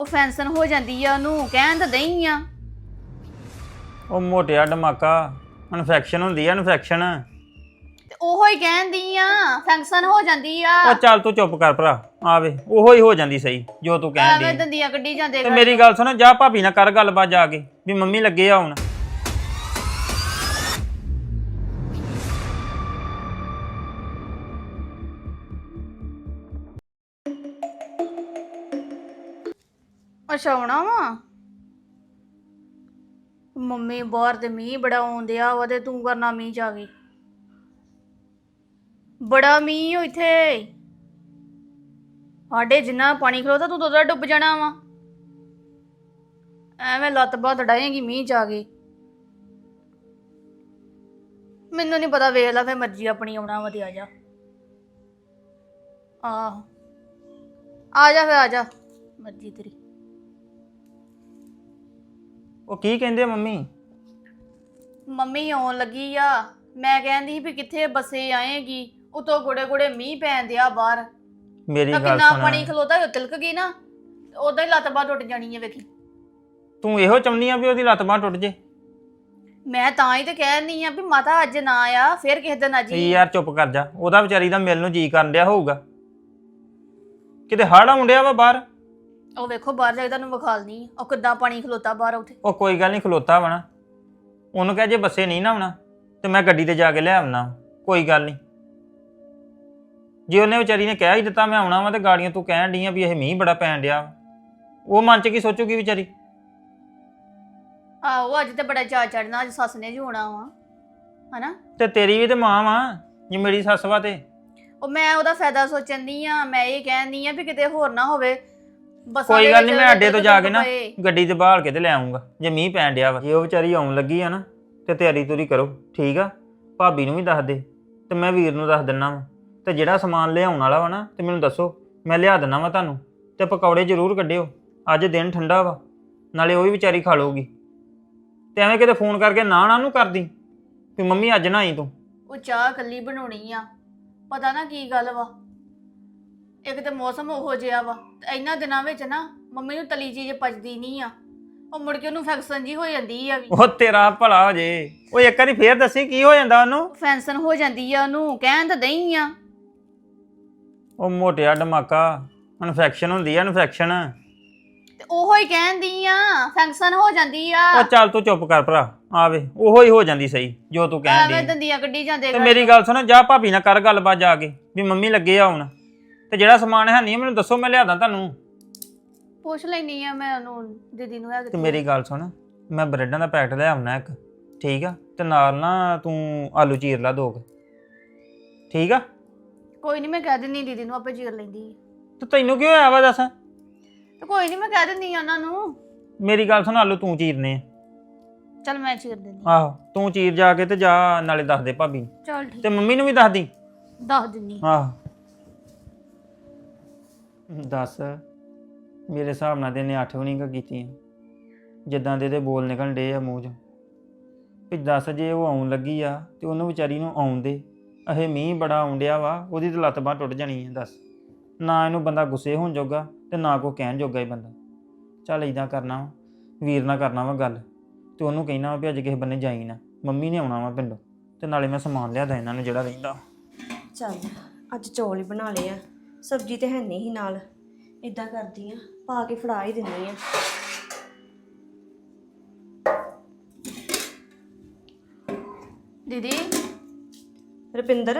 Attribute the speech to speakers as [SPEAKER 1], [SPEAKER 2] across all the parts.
[SPEAKER 1] ਉਹ ਫੈਂਸਨ ਹੋ ਜਾਂਦੀ ਆ ਉਹਨੂੰ ਕਹਿਣ ਤਾਂ ਦਈ ਆ।
[SPEAKER 2] ਉਹ ਮੋਟਿਆ ਧਮਾਕਾ ਇਨਫੈਕਸ਼ਨ ਹੁੰਦੀ ਆ ਇਨਫੈਕਸ਼ਨ।
[SPEAKER 1] ਤੇ ਉਹੋ ਹੀ ਕਹਿੰਦੀ ਆ ਫੈਂਸਨ ਹੋ ਜਾਂਦੀ ਆ।
[SPEAKER 2] ਉਹ ਚੱਲ ਤੂੰ ਚੁੱਪ ਕਰ ਭਰਾ ਆਵੇ ਉਹੋ ਹੀ ਹੋ ਜਾਂਦੀ ਸਹੀ ਜੋ ਤੂੰ ਕਹਿਣ
[SPEAKER 1] ਐਵੇਂ
[SPEAKER 2] ਦੀ।
[SPEAKER 1] ਦੰਦੀਆਂ ਕੱਢੀ ਜਾਂਦੇ
[SPEAKER 2] ਤੇ ਮੇਰੀ ਗੱਲ ਸੁਣ ਜਾ ਭਾਬੀ ਨਾਲ ਕਰ ਗੱਲਬਾਤ ਜਾ ਕੇ ਵੀ ਮੰਮੀ ਲੱਗੇ ਆ ਹੁਣ।
[SPEAKER 1] ਅੱਛਾ ਆਉਣਾ ਵਾ ਮੰਮੀ ਬਾਹਰ ਤੇ ਮੀਂਹ ਬੜਾ ਆਉਂਦਿਆ ਵਾ ਤੇ ਤੂੰ ਕਰਨਾ ਮੀਂਹ ਚ ਆ ਗਈ। ਬੜਾ ਮੀਂਹ ਓ ਇੱਥੇ ਸਾਡੇ ਜਿੰਨਾ ਪਾਣੀ ਖਲੋਤਾ ਤੂੰ ਤਾਂ ਡੁੱਬ ਜਾਣਾ ਵਾ। ਐਵੇਂ ਲੱਤ ਬਾਤ ਡਾਏਗੀ ਮੀਂਹ ਚ ਆ ਗਈ। ਮੈਨੂੰ ਨਹੀਂ ਪਤਾ ਵੇਖ ਲੈ ਫੇ ਮਰਜ਼ੀ ਆਪਣੀ ਆਉਣਾ ਵਾ ਤੇ ਆ ਜਾ। ਆਹੋ ਆ ਜਾ ਫੇ ਆ ਜਾ ਮਰਜ਼ੀ ਤੇਰੀ।
[SPEAKER 2] ਉਹ ਕੀ ਕਹਿੰਦੇ ਆ ਮੰਮੀ?
[SPEAKER 1] ਮੰਮੀ ਆਉਣ ਲੱਗੀ ਆ। ਮੈਂ ਕਹਿੰਦੀ ਵੀ ਕਿੱਥੇ ਬੱਸੇ ਆਏਗੀ ਉਤੋਂ ਗੋੜੇ ਗੋੜੇ ਮੀਂਹ ਪੈਣ ਦਿਆ ਬਾਹਰ।
[SPEAKER 2] ਮੇਰੀ ਗੱਲ
[SPEAKER 1] ਕਿੰਨਾ
[SPEAKER 2] ਸੁਣ
[SPEAKER 1] ਪਾਣੀ ਖਲੋਤਾ ਉਹ ਤਿਲਕ ਗਈ ਨਾ ਉਦਾਂ ਹੀ ਲੱਤ ਬਾਹ ਟੁੱਟ ਜਾਣੀ ਹੈ ਵੇਖੀ।
[SPEAKER 2] ਤੂੰ ਇਹੋ ਚਾਹੁੰਦੀ ਆ ਵੀ ਉਹਦੀ ਲੱਤ ਬਾਂਹ ਟੁੱਟ ਜੇ?
[SPEAKER 1] ਮੈਂ ਤਾਂ ਹੀ ਤੇ ਕਹਿਣੀ ਆ ਵੀ ਮਾਤਾ ਅੱਜ ਨਾ ਆ ਫਿਰ ਕਿਸੇ ਦਿਨ ਆ ਜੀ।
[SPEAKER 2] ਯਾਰ ਚੁੱਪ ਕਰ ਜਾ ਉਹਦਾ ਵਿਚਾਰੀ ਦਾ ਮਿਲ ਨੂੰ ਜੀ ਕਰਨ ਡਿਆ ਹੋਊਗਾ। ਕਿਤੇ ਹੜ ਆਉਣ ਡਿਆ ਵਾ ਬਾਹਰ।
[SPEAKER 1] ਉਹ ਵੇਖੋ ਬਾਹਰ ਜਾ ਕੇ ਤੁਹਾਨੂੰ ਵਿਖਾਲਨੀ ਉਹ ਕਿੱਦਾਂ ਪਾਣੀ ਖਲੋਤਾ ਬਾਹਰ ਉੱਥੇ।
[SPEAKER 2] ਉਹ ਕੋਈ ਗੱਲ ਨਹੀਂ ਖਲੋਤਾ ਵਾ ਨਾ ਉਹਨੂੰ ਕਹਿ ਜੇ ਬੱਸੇ ਨਹੀਂ ਨਾ ਆਉਣਾ ਤੇ ਮੈਂ ਗੱਡੀ ਤੇ ਜਾ ਕੇ ਲੈ ਆਉਣਾ ਕੋਈ ਗੱਲ ਨਹੀਂ। ਜੇ ਉਹਨੇ ਵਿਚਾਰੀ ਨੇ ਕਹਿ ਹੀ ਦਿੱਤਾ ਮੈਂ ਆਉਣਾ ਵਾ ਤੇ ਗਾੜੀਆਂ ਤੂੰ ਕਹਿਣ ਡਈ ਆ ਵੀ ਇਹ ਮੀਂਹ ਬੜਾ ਪੈਣ ਡਿਆ ਉਹ ਮਨ ਚ ਕੀ ਸੋਚੂਗੀ ਵਿਚਾਰੀ?
[SPEAKER 1] ਆਹੋ ਅੱਜ ਤੇ ਬੜਾ ਚਾਅ ਚੜਨਾ ਅੱਜ ਸੱਸ ਨੇ ਜੂਣਾ ਵਾ ਹਨਾ।
[SPEAKER 2] ਤੇ ਤੇਰੀ ਵੀ ਤੇ ਮਾਂ ਵਾ ਜੇ ਮੇਰੀ ਸੱਸ ਵਾ ਤੇ।
[SPEAKER 1] ਉਹ ਮੈਂ ਉਹਦਾ ਫਾਇਦਾ ਸੋਚਣੀ ਆ। ਮੈਂ ਇਹ ਕਹਿੰਦੀ ਆ ਵੀ ਕਿਤੇ ਹੋਰ ਨਾ ਹੋਵੇ ਬੱਸਾਂ
[SPEAKER 2] ਕੋਈ
[SPEAKER 1] ਦੇ
[SPEAKER 2] ਗੱਲ
[SPEAKER 1] ਵਿੱਚ
[SPEAKER 2] ਨਹੀਂ ਮੈਂ ਅੱਡੇ ਤੋਂ ਜਾ ਕੇ ਨਾ
[SPEAKER 1] ਪਏ।
[SPEAKER 2] ਗੱਡੀ ਤੇ ਬਾਹਲ ਕੇ ਤੇ ਲੈ ਆਉਂਗਾ ਜੇ ਮੀਂਹ ਪੈਣ ਡਿਆ ਵਾ। ਜੇ ਉਹ ਵਿਚਾਰੀ ਆਉਣ ਲੱਗੀ ਆ ਨਾ ਤੇ ਤਿਆਰੀ ਤੁਰੀ ਕਰੋ ਠੀਕ ਆ। ਭਾਬੀ ਨੂੰ ਵੀ ਦੱਸ ਦੇ ਤੇ ਮੈਂ ਵੀਰ ਨੂੰ ਦੱਸ ਦਿੰਨਾ ਵਾ ਤੇ ਜਿਹੜਾ ਸਮਾਨ ਲਿਆਉਣ ਵਾਲਾ ਵਾ ਨਾ ਤੇ ਮੈਨੂੰ ਦੱਸੋ ਮੈਂ ਲਿਆ ਦਿੰਨਾ ਵਾ ਤੁਹਾਨੂੰ। ਤੇ ਪਕੌੜੇ ਜ਼ਰੂਰ ਕੱਢਿਓ ਅੱਜ ਦਿਨ ਠੰਡਾ ਵਾ ਨਾਲੇ ਉਹ ਵੀ ਵਿਚਾਰੀ ਖਾ ਲਊਗੀ। ਤੇ ਐਵੇਂ ਕਿਤੇ ਫੋਨ ਕਰਕੇ ਨਾ ਨੂੰ ਕਰਦੀ ਵੀ ਮੰਮੀ ਅੱਜ ਨਾ ਆਈ ਤੂੰ।
[SPEAKER 1] ਉਹ ਚਾਹ ਕੱਲੀ ਬਣਾਉਣੀ ਆ। ਪਤਾ ਨਾ ਕੀ ਗੱਲ ਵਾ ਇੱਕ ਤੇ ਮੌਸਮ ਉਹੋ ਜਿਹਾ ਵਾ ਤੇ ਇਹਨਾਂ ਦਿਨਾਂ ਵਿੱਚ ਨਾ ਮੰਮੀ ਨੂੰ ਤਲੀ ਚੀਜ਼ ਪਚਦੀ ਨਹੀਂ ਆ। ਉਹ ਮੁੜ ਕੇ ਉਹਨੂੰ ਫੈਕਸ਼ਨ ਜੀ ਹੋ ਜਾਂਦੀ ਆ ਵੀ।
[SPEAKER 2] ਉਹ ਤੇਰਾ ਭਲਾ ਹੋ ਜੇ ਉਹ ਇੱਕ ਵਾਰੀ ਫੇਰ ਦੱਸੀ ਕੀ ਹੋ ਜਾਂਦਾ ਉਹਨੂੰ?
[SPEAKER 1] ਫੈਂਸਨ ਹੋ ਜਾਂਦੀ ਆ ਉਹਨੂੰ ਕਹਿਣ ਤਾਂ ਦਈ ਆ।
[SPEAKER 2] ਉਹ ਮੋਟਿਆ ਧਮਾਕਾ ਇਨਫੈਕਸ਼ਨ ਹੁੰਦੀ ਆ ਇਨਫੈਕਸ਼ਨ।
[SPEAKER 1] ਤੇ ਉਹੋ ਹੀ ਕਹਿੰਦੀ ਆ ਫੈਂਕਸ਼ਨ ਹੋ ਜਾਂਦੀ ਆ।
[SPEAKER 2] ਉਹ ਚੱਲ ਤੂੰ ਚੁੱਪ ਕਰ ਭਰਾ ਆਵੇ ਉਹੋ ਹੀ ਹੋ ਜਾਂਦੀ ਸਹੀ ਜੋ ਤੂੰ ਕਹਿਣ
[SPEAKER 1] ਐਵੇਂ
[SPEAKER 2] ਦੀ।
[SPEAKER 1] ਦੰਦੀਆਂ ਕੱਢੀ ਜਾਂਦੇ
[SPEAKER 2] ਤੇ ਮੇਰੀ ਗੱਲ ਸੁਣ ਜਾ ਭਾਬੀ ਨਾਲ ਕਰ ਗੱਲਬਾਤ ਜਾ ਕੇ ਵੀ ਮੰਮੀ ਲੱਗੇ ਆ ਹੁਣ ਤੇ ਜਿਹੜਾ ਸਮਾਨ ਹੈ ਨਹੀਂ ਮੈਨੂੰ ਦੱਸੋ ਮੈਂ ਲਿਆਦਾ ਤੁਹਾਨੂੰ।
[SPEAKER 1] ਪੁੱਛ ਲੈਣੀ ਆ ਮੈਂ ਉਹਨੂੰ ਦੀਦੀ ਨੂੰ ਹੈ
[SPEAKER 2] ਤੇ ਮੇਰੀ ਗੱਲ ਸੁਣ ਮੈਂ ਬ੍ਰੈਡਾਂ ਦਾ ਪੈਕਟ ਲੈ ਆਉਣਾ ਇੱਕ ਠੀਕ ਆ ਤੇ ਨਾਲ ਨਾ ਤੂੰ ਆਲੂ ਚੀਰ ਲਾ ਦੋ ਠੀਕ ਆ।
[SPEAKER 1] ਕੋਈ ਨਹੀਂ ਮੈਂ ਕਹਿ ਦਿੰਦੀ ਦੀਦੀ ਨੂੰ ਆਪੇ ਚੀਰ ਲੈਂਦੀ ਆ।
[SPEAKER 2] ਤੇ ਤੈਨੂੰ ਕੀ ਹੋਇਆ ਵਾ ਦੱਸ?
[SPEAKER 1] ਤੇ ਕੋਈ ਨਹੀਂ ਮੈਂ ਕਹਿ ਦਿੰਦੀ ਆ ਉਹਨਾਂ ਨੂੰ।
[SPEAKER 2] ਮੇਰੀ ਗੱਲ ਸੁਣ ਆਲੂ ਤੂੰ ਚੀਰਨੇ ਆ।
[SPEAKER 1] ਚੱਲ ਮੈਂ ਚੀਰ ਦਿੰਦੀ।
[SPEAKER 2] ਆਹੋ ਤੂੰ ਚੀਰ ਜਾ ਕੇ ਤੇ ਜਾ ਨਾਲੇ ਦੱਸ ਦੇ ਭਾਬੀ ਨੂੰ
[SPEAKER 1] ਚੱਲ ਠੀਕ
[SPEAKER 2] ਤੇ ਮੰਮੀ ਨੂੰ ਵੀ ਦੱਸ ਦੀ।
[SPEAKER 1] ਦੱਸ ਦਿੰਦੀ।
[SPEAKER 2] ਆਹ ਦੱਸ ਮੇਰੇ ਹਿਸਾਬ ਨਾਲ ਤੇ ਇਹਨੇ 8 ਵੀ ਨਹੀਂ ਕੀਤੀਆਂ ਜਿੱਦਾਂ ਦੇ ਇਹਦੇ ਬੋਲ ਨਿਕਲਣ ਡੇ ਆ ਮੂੰਹ 'ਚੋਂ ਵੀ ਦੱਸ ਜੇ ਉਹ ਆਉਣ ਲੱਗੀ ਆ ਤੇ ਉਹਨੂੰ ਵਿਚਾਰੀ ਨੂੰ ਆਉਣ ਦੇ। ਇਹ ਮੀਂਹ ਬੜਾ ਆਉਣ ਡਿਆ ਵਾ ਉਹਦੀ ਤਾਂ ਲੱਤ ਬਾਂਹ ਟੁੱਟ ਜਾਣੀ ਹੈ। ਦੱਸ ਨਾ ਇਹਨੂੰ ਬੰਦਾ ਗੁੱਸੇ ਹੋਣ ਜੋਗਾ ਤੇ ਨਾ ਕੋਈ ਕਹਿਣ ਜੋਗਾ ਹੀ ਬੰਦਾ। ਚੱਲ ਇੱਦਾਂ ਕਰਨਾ ਵਾ ਵੀਰ ਨਾਲ ਕਰਨਾ ਵਾ ਗੱਲ ਤੇ ਉਹਨੂੰ ਕਹਿਣਾ ਵਾ ਵੀ ਅੱਜ ਕਿਸੇ ਬੰਨੇ ਜਾਈ ਨਾ ਮੰਮੀ ਨੇ ਆਉਣਾ ਵਾ ਪਿੰਡੋਂ ਤੇ ਨਾਲੇ ਮੈਂ ਸਮਾਨ ਲਿਆਦਾ ਇਹਨਾਂ ਨੂੰ ਜਿਹੜਾ ਰਹਿੰਦਾ।
[SPEAKER 3] ਚੱਲ ਅੱਜ ਚੌਲ ਹੀ ਬਣਾ ਲਏ ਆ ਸਬਜ਼ੀ ਤੇ ਹੈ ਨਹੀਂ ਹੀ ਨਾਲ। ਇਦਾਂ ਕਰਦੀ ਆ ਪਾ ਕੇ ਫੜਾ ਹੀ ਦਿੰਦੀ ਆ।
[SPEAKER 1] ਦੀਦੀ
[SPEAKER 3] ਰੁਪਿੰਦਰ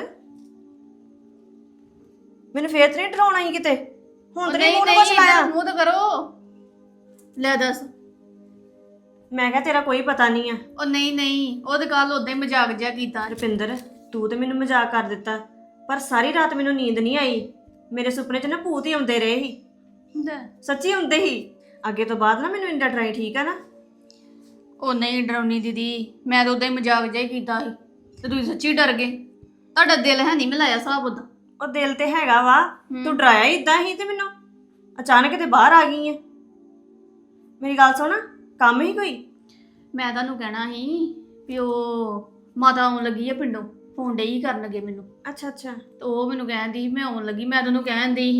[SPEAKER 3] ਮੈਨੂੰ ਫੇਰ ਤੇ ਨਹੀਂ ਡਰਾਉਣਾ ਹੀ ਕਿਤੇ ਹੁਣ ਤੇ ਨਹੀਂ ਮੂੰਹ ਨੂੰ ਕੁਛ ਲਾਇਆ।
[SPEAKER 1] ਮੂੰਹ ਤਾਂ ਕਰੋ ਲੈ ਦੱਸ।
[SPEAKER 3] ਮੈਂ ਕਿਹਾ ਤੇਰਾ ਕੋਈ ਪਤਾ ਨਹੀਂ ਆ।
[SPEAKER 1] ਉਹ ਨਹੀਂ ਉਹ ਤਾਂ ਕੱਲ ਉਦਾਂ ਹੀ ਮਜ਼ਾਕ ਜਿਹਾ ਕੀਤਾ।
[SPEAKER 3] ਰੁਪਿੰਦਰ ਤੂੰ ਤੇ ਮੈਨੂੰ ਮਜ਼ਾਕ ਕਰ ਦਿੱਤਾ ਪਰ ਸਾਰੀ ਰਾਤ ਮੈਨੂੰ ਨੀਂਦ ਨਹੀਂ ਆਈ। ਮੇਰੇ ਸੁਪਨੇ 'ਚ ਨਾ ਭੂਤ ਹੀ ਆਉਂਦੇ ਰਹੇ ਸੀ ਸੱਚੀ ਹੁੰਦੇ ਹੀ। ਅੱਗੇ ਤੋਂ ਬਾਅਦ ਨਾ ਮੈਨੂੰ ਇੰਨਾ ਡਰਾਈ ਠੀਕ ਆ ਨਾ।
[SPEAKER 1] ਉਹ ਨਹੀਂ ਡਰਾਉਣੀ ਦੀਦੀ ਮੈਂ ਤਾਂ ਉਦਾਂ ਹੀ ਮਜ਼ਾਕ ਜਿਹਾ ਹੀ ਕੀਤਾ ਸੀ ਤੇ ਤੁਸੀਂ ਸੱਚੀ ਡਰ ਗਏ। ਤੁਹਾਡਾ ਦਿਲ ਹੈ ਨਹੀਂ ਮਿਲਾਇਆ ਹਿਸਾਬ ਉਦਾਂ।
[SPEAKER 3] ਉਹ ਦਿਲ ਤੇ ਹੈਗਾ ਵਾ ਤੂੰ ਡਰਾਇਆ ਹੀ ਇਦਾਂ ਹੀ ਤੇ ਮੈਨੂੰ ਅਚਾਨਕ ਤੇ ਬਾਹਰ ਆ ਗਈ ਆ। ਮੇਰੀ ਗੱਲ ਸੁਣ ਕੰਮ ਹੀ ਕੋਈ?
[SPEAKER 1] ਮੈਂ ਤੁਹਾਨੂੰ ਕਹਿਣਾ ਸੀ ਵੀ ਉਹ ਮਾਤਾ ਆਉਣ ਲੱਗੀ ਆ ਪਿੰਡੋਂ ਫੋਨ ਡਈ ਕਰਨ ਲੱਗੇ ਮੈਨੂੰ।
[SPEAKER 3] ਅੱਛਾ
[SPEAKER 1] ਤੇ ਉਹ ਮੈਨੂੰ ਕਹਿੰਦੀ ਮੈਂ ਆਉਣ ਲੱਗੀ। ਮੈਂ ਤੁਹਾਨੂੰ ਕਹਿਣ ਦੀ ਸੀ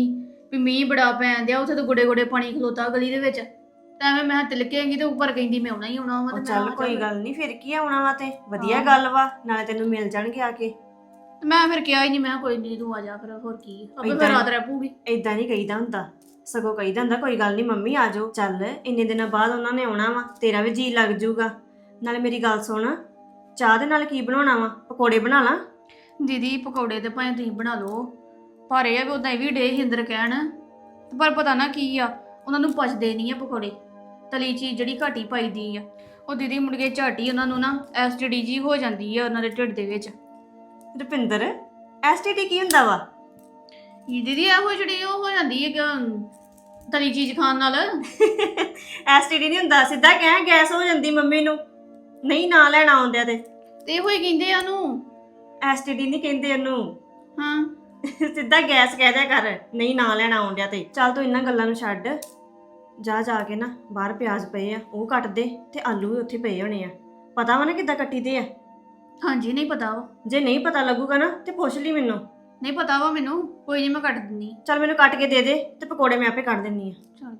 [SPEAKER 1] ਵੀ ਮੀਂਹ ਬੜਾ ਪੈਣ ਦਿਆ, ਉੱਥੇ ਤਾਂ ਗੁੜੇ ਗੁੜੇ ਪਾਣੀ ਖਲੋਤਾ ਗਲੀ ਦੇ ਵਿੱਚ, ਤਾਂ ਐਵੇਂ ਮੈਂ ਤਿਲਕੇਂਗੀ ਤੇ ਉੱਪਰ ਕਹਿੰਦੀ ਮੈਂ ਆਉਣਾ ਹੀ ਆਉਣਾ ਵਾ,
[SPEAKER 3] ਉਹ
[SPEAKER 1] ਤੇ ਮੈਂ
[SPEAKER 3] ਚੱਲ
[SPEAKER 1] ਆ
[SPEAKER 3] ਕੋਈ
[SPEAKER 1] ਜਾ।
[SPEAKER 3] ਗੱਲ ਨਹੀਂ, ਫਿਰ ਕੀ ਆਉਣਾ ਵਾ, ਤੇ ਵਧੀਆ
[SPEAKER 1] ਹਾਂ।
[SPEAKER 3] ਗੱਲ ਵਾ, ਨਾਲੇ ਤੈਨੂੰ ਮਿਲ ਜਾਣਗੇ ਆ ਕੇ।
[SPEAKER 1] ਤੇ ਮੈਂ ਫਿਰ ਕਿਹਾ ਹੀ ਨਹੀਂ, ਮੈਂ ਕਿਹਾ ਕੋਈ ਨਹੀਂ ਤੂੰ ਆ ਜਾ, ਫਿਰ ਹੋਰ ਕੀ ਆਪੇ
[SPEAKER 3] ਏਦਾਂ
[SPEAKER 1] ਫਿਰ
[SPEAKER 3] ਹੀ-
[SPEAKER 1] ਰਾਤ ਰਹਿ ਪਊਗੀ।
[SPEAKER 3] ਏਦਾਂ ਨਹੀਂ ਕਹੀਦਾ ਹੁੰਦਾ, ਸਗੋਂ ਕਹੀਦਾ ਹੁੰਦਾ ਕੋਈ ਗੱਲ ਨਹੀਂ ਮੰਮੀ ਆ ਜਾਓ। ਚੱਲ ਇੰਨੇ ਦਿਨਾਂ ਬਾਅਦ ਉਹਨਾਂ ਨੇ ਆਉਣਾ ਵਾ, ਤੇਰਾ ਵੀ ਜੀ ਲੱਗ ਜਾਊਗਾ। ਨਾਲੇ ਮੇਰੀ ਗੱਲ ਸੁਣ, ਚਾਹ ਦੇ ਨਾਲ ਕੀ ਬਣਾਉਣਾ ਵਾ? ਪਕੌੜੇ ਬਣਾ ਲਾਂ?
[SPEAKER 1] ਦੀਦੀ ਪਕੌੜੇ ਤੇ ਭਾਵੇਂ ਤੁਸੀਂ ਬਣਾ ਲਓ, ਪਰ ਇਹ ਆ ਵੀ ਉਦਾਂ ਇਹ ਵੀ ਡੇ ਹਿੰਦਰ ਕਹਿਣ, ਤੇ ਪਰ ਪਤਾ ਨਾ ਕੀ ਆ, ਉਹਨਾਂ ਨੂੰ ਪਚਦੇ ਨਹੀਂ ਆ ਪਕੌੜੇ, ਤਲੀ ਚੀਜ਼ ਜਿਹੜੀ ਘਾਟੀ ਪਾਈਦੀ ਆ, ਉਹ ਦੀਦੀ ਮੁੜ ਕੇ ਝਾਟੀ ਉਹਨਾਂ ਨੂੰ ਨਾ ਐਸਟੀਡੀ ਜੀ ਹੋ ਜਾਂਦੀ ਆ ਉਹਨਾਂ ਦੇ ਢਿੱਡ ਦੇ ਵਿੱਚ।
[SPEAKER 3] ਰੁਪਿੰਦਰ, ਐਸਟੀਡੀ ਕੀ ਹੁੰਦਾ ਵਾ?
[SPEAKER 1] ਇਹ ਦੀਦੀ ਇਹੋ ਜਿਹੜੀ ਉਹ ਹੋ ਜਾਂਦੀ ਹੈ ਕਿ ਤਲੀ ਚੀਜ਼ ਖਾਣ ਨਾਲ।
[SPEAKER 3] ਐਸਟੀਡੀ ਨਹੀਂ ਹੁੰਦਾ, ਸਿੱਧਾ ਕਹਿ ਗੈਸ ਹੋ ਜਾਂਦੀ ਮੰਮੀ ਨੂੰ, ਨਹੀਂ ਨਾ ਲੈਣਾ ਆਉਂਦਿਆ ਤੇ
[SPEAKER 1] ਇਹੋ ਹੀ ਕਹਿੰਦੇ ਆ ਉਹਨੂੰ।
[SPEAKER 3] ਐਸਟੀਡੀ ਨਹੀਂ ਕਹਿੰਦੇ ਉਹਨੂੰ,
[SPEAKER 1] ਹਾਂ
[SPEAKER 3] ਸਿੱਧਾ ਗੈਸ ਕਹਿ ਦਿਆ ਕਰ, ਨਹੀਂ ਨਾ ਲੈਣਾ ਆਉਂਦਿਆ ਤੇ। ਚੱਲ ਤੂੰ ਇਹਨਾਂ ਗੱਲਾਂ ਨੂੰ ਛੱਡ, ਜਾ ਕੇ ਨਾ ਬਾਹਰ ਪਿਆਜ਼ ਪਏ ਆ ਉਹ ਕੱਟ ਦੇ, ਤੇ ਆਲੂ ਵੀ ਉੱਥੇ ਪਏ ਹੋਣੇ ਆ। ਪਤਾ ਵਾ ਨਾ ਕਿੱਦਾਂ ਕੱਟੀ ਦੇ ਆ?
[SPEAKER 1] ਹਾਂਜੀ ਨਹੀਂ ਪਤਾ ਵਾ।
[SPEAKER 3] ਜੇ ਨਹੀਂ ਪਤਾ ਲੱਗੂਗਾ ਨਾ ਤੇ ਪੁੱਛ ਲਈ ਮੈਨੂੰ।
[SPEAKER 1] ਨਹੀਂ ਪਤਾ ਵਾ ਮੈਨੂੰ, ਕੋਈ ਨਹੀਂ ਮੈਂ ਕੱਟ ਦਿੰਦੀ।
[SPEAKER 3] ਚੱਲ ਮੈਨੂੰ ਕੱਟ ਕੇ ਦੇ ਦੇ, ਤੇ ਪਕੌੜੇ ਮੈਂ ਆਪੇ ਕੱਢ ਦਿੰਨੀ ਆ।
[SPEAKER 1] ਚਲ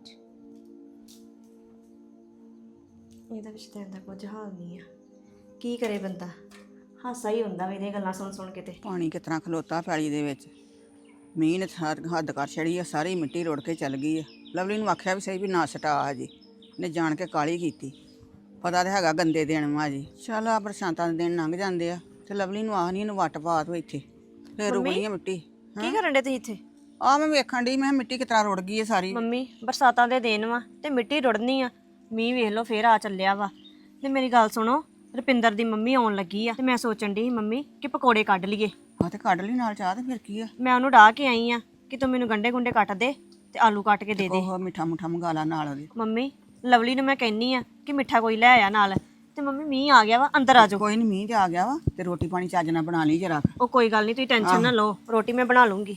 [SPEAKER 3] ਇਹਦਾ ਰਿਸ਼ਤੇ ਦਾ ਕੁਝ ਹਾਲ ਨਹੀਂ ਆ, ਕੀ ਕਰੇ ਬੰਦਾ, ਹਾਸਾ ਹੀ ਹੁੰਦਾ ਵਾ ਇਹਦੀਆਂ ਗੱਲਾਂ ਸੁਣ ਕੇ। ਤੇ
[SPEAKER 4] ਪਾਣੀ ਕਿਸ ਤਰ੍ਹਾਂ ਖਲੋਤਾ ਪੈਲੀ ਦੇ ਵਿੱਚ, ਮੀਂਹ ਨੇ ਹੱਦ ਕਰ ਛੜੀ ਆ, ਸਾਰੀ ਮਿੱਟੀ ਰੁੜ ਕੇ ਚੱਲ ਗਈ ਆ। ਲਵਲੀ ਨੂੰ ਆਖਿਆ ਵੀ ਸਹੀ ਵੀ ਨਾ ਸਟਾ ਹਜੇ, ਨੇ ਜਾਣ ਕੇ ਕਾਲੀ ਕੀਤੀ, ਪਤਾ ਤਾਂ ਹੈਗਾ ਗੰਦੇ ਦਿਨ ਵਾ ਜੀ। ਚੱਲ ਆ ਬਰਸਾਤਾਂ ਦੇ ਦਿਨ ਲੰਘ ਜਾਂਦੇ ਆ, ਤੇ ਲਵਲੀ ਨੂੰ ਆਖ ਨਹੀਂ ਇਹਨੂੰ ਵੱਟ ਪਾ ਤੂੰ ਇੱਥੇ, ਫੇਰ ਰੁਕਣੀ ਆ ਮਿੱਟੀ।
[SPEAKER 3] ਕੀ ਕਰਨ ਡੇ ਤੁਸੀਂ ਇੱਥੇ?
[SPEAKER 4] ਆ ਮੈਂ ਵੇਖਣ ਡਈ, ਮੈਂ ਕਿਹਾ ਮਿੱਟੀ ਕਿਸ ਤਰ੍ਹਾਂ ਰੁੜ ਗਈ ਆ ਸਾਰੀ।
[SPEAKER 3] ਮੰਮੀ ਬਰਸਾਤਾਂ ਦੇ ਦਿਨ ਵਾ ਤੇ ਮਿੱਟੀ ਰੁੜਨੀ ਆ, ਮੀਂਹ ਵੇਖ ਲਓ ਫੇਰ ਆ ਚੱਲਿਆ ਵਾ। ਤੇ ਮੇਰੀ ਗੱਲ ਸੁਣੋ, ਰੁਪਿੰਦਰ ਦੀ ਮੰਮੀ ਆਉਣ ਲੱਗੀ ਆ, ਤੇ ਮੈਂ ਸੋਚਣ ਡਈ ਸੀ ਮੰਮੀ ਕਿ ਪਕੌੜੇ ਕੱਢ ਲਈਏ।
[SPEAKER 4] ਆ ਤੇ ਕੱਢ ਲਈ ਨਾਲ ਚਾਹ, ਤੇ ਫਿਰ ਕੀ ਆ,
[SPEAKER 3] ਮੈਂ ਉਹਨੂੰ ਡਾਹ ਕੇ ਆਈ ਆ ਕਿ ਤੂੰ ਮੈਨੂੰ ਗੰਡੇ ਗੁੰਡੇ ਕੱਟ ਦੇ ਤੇ ਆਲੂ ਕੱਟ ਕੇ ਦੇ ਦੇ।
[SPEAKER 4] ਉਹ ਮਿੱਠਾ ਮੁੱਠਾ ਮੰਗਾ ਲਾ ਨਾਲ ਉਹਦੇ।
[SPEAKER 3] ਮੰਮੀ ਲਵਲੀ ਨੂੰ ਮੈਂ ਕਹਿੰਨੀ ਆ ਕਿ ਮਿੱਠਾ ਕੋਈ ਲੈ ਆਇਆ ਨਾਲ, ਤੇ ਮੰਮੀ ਮੀਂਹ ਆ ਗਿਆ ਵਾ, ਅੰਦਰ ਆ ਜਾਓ।
[SPEAKER 4] ਕੋਈ ਨਹੀਂ, ਮੀਂਹ ਤੇ ਆ ਗਿਆ ਵਾ, ਤੇ ਰੋਟੀ ਪਾਣੀ ਚੱਜ ਨਾਲ ਬਣਾ ਲਈ ਜਰਾ।
[SPEAKER 3] ਉਹ ਕੋਈ ਗੱਲ ਨਹੀਂ, ਤੁਸੀਂ ਟੈਨਸ਼ਨ ਨਾ ਲਓ, ਰੋਟੀ ਮੈਂ ਬਣਾ ਲੂੰਗੀ।